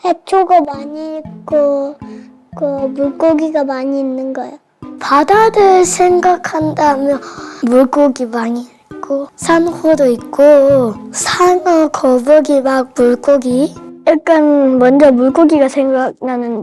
해초가 많이 있고 그 물고기가 많이 있는 거예요. 바다를 생각한다면 물고기 많이 있고 산호도 있고 상어, 거북이 막 물고기. 약간 먼저 물고기가 생각나요.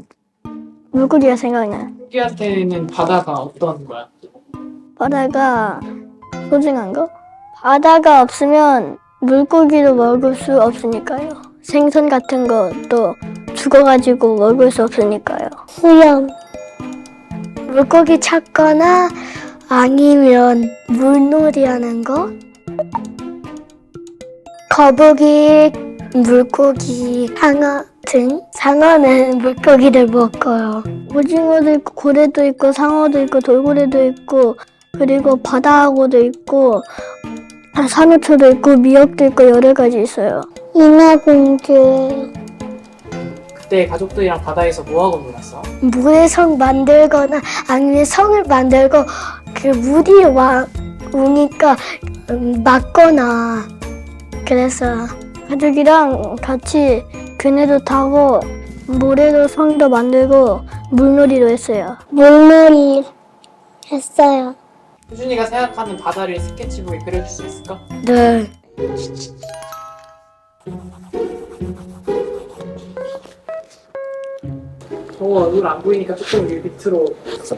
우리한테는 바다가 어떤 거야? 바다가 소중한 거? 바다가 없으면 물고기도 먹을 수 없으니까요. 생선 같은 것도 죽어가지고 먹을 수 없으니까요. 수영. 물고기 찾거나 아니면 물놀이 하는 거? 거북이, 물고기, 상어 등. 상어는 물고기를 먹어요. 오징어도 있고 고래도 있고 상어도 있고 돌고래도 있고 그리고 바다하고도 있고 산호초도 있고 미역도 있고 여러 가지 있어요. 인어공주. 그때 가족들이랑 바다에서 뭐하고 놀았어? 물에 성 만들거나 아니면 성을 만들고 그 물이 오니까 막거나 그래서 가족이랑 같이 그네도 타고 모래도 성도 만들고 물놀이도 했어요. 물놀이 했어요. 수준이가 생각하는 바다를 스케치북에 그려줄 수 있을까? 네. 정우 얼굴 안 보이니까 조금 여기 밑으로.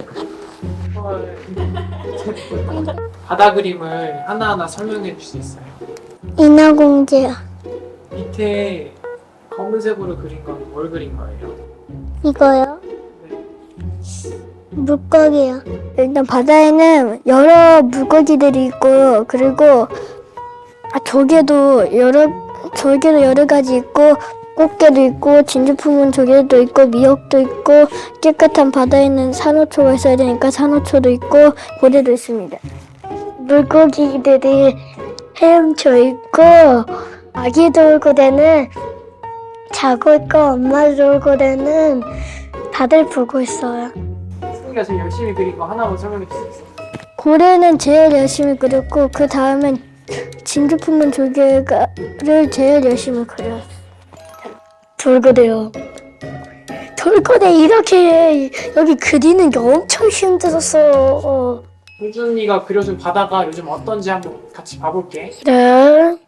바다 그림을 하나하나 설명해 줄 수 있어요? 인어공주. 밑에 검은색으로 그린 건 뭘 그린 거예요? 이거요? 네. 물고기요. 일단 바다에는 여러 물고기들이 있고 그리고 조개도 여러 가지 있고 꽃게도 있고 진주품은 조개도 있고 미역도 있고 깨끗한 바다에는 산호초가 있어야 되니까 산호초도 있고 고래도 있습니다. 물고기들이 헤엄쳐 있고 아기 돌고래는 자고 있고 엄마 돌고래는 다들 보고 있어요. 수준이가 제일 열심히 그린 거 하나만 설명해 줄 수 있어? 고래는 제일 열심히 그렸고 그 다음엔 진주품은 조개를 제일 열심히 그렸어요. 돌고래요. 돌고래 이렇게 여기 그리는 게 엄청 힘들었어. 수준이가 그려준 바다가 요즘 어떤지 한번 같이 봐볼게. 네.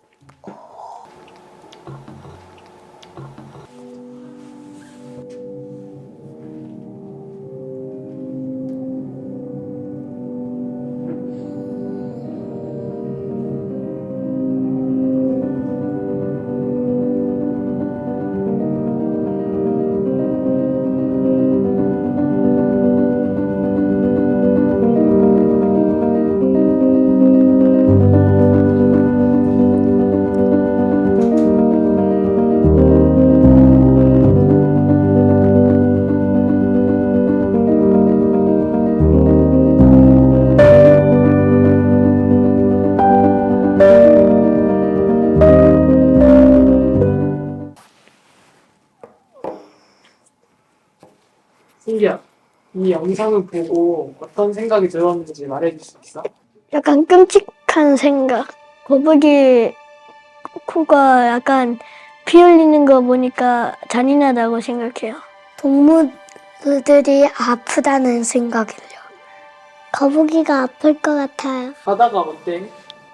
승기야, 이 영상을 보고 어떤 생각이 들었는지 말해줄 수 있어? 약간 끔찍한 생각. 거북이 코가 약간 피 흘리는 거 보니까 잔인하다고 생각해요. 동물들이 아프다는 생각이요. 거북이가 아플 것 같아요. 바다가 어때?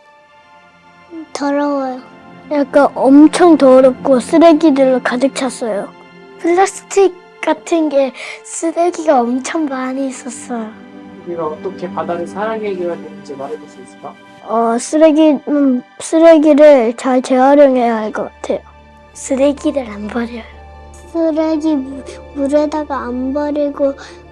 더러워요. 약간 엄청 더럽고 쓰레기들로 가득 찼어요. 플라스틱 같은 게 쓰레기가 엄청 많이 있었어요. 우리가 어떻게 바다를 사랑해줘야 되는지 말해줄 수 있을까? 쓰레기를 잘 재활용해야 할 것 같아요. 쓰레기를 안 버려요. 쓰레기 물에다가 안 버리고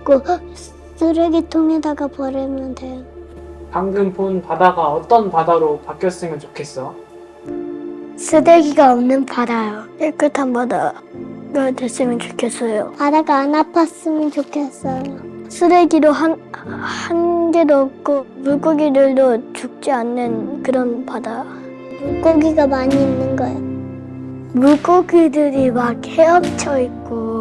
쓰레기통에다가 버리면 돼요. 방금 본 바다가 어떤 바다로 바뀌었으면 좋겠어? 쓰레기가 없는 바다요. 깨끗한 바다가 됐으면 좋겠어요. 바다가 안 아팠으면 좋겠어요. 쓰레기로 한 개도 없고 물고기들도 죽지 않는 그런 바다. 물고기가 많이 있는 거예요. 물고기들이 막 헤엄쳐 있고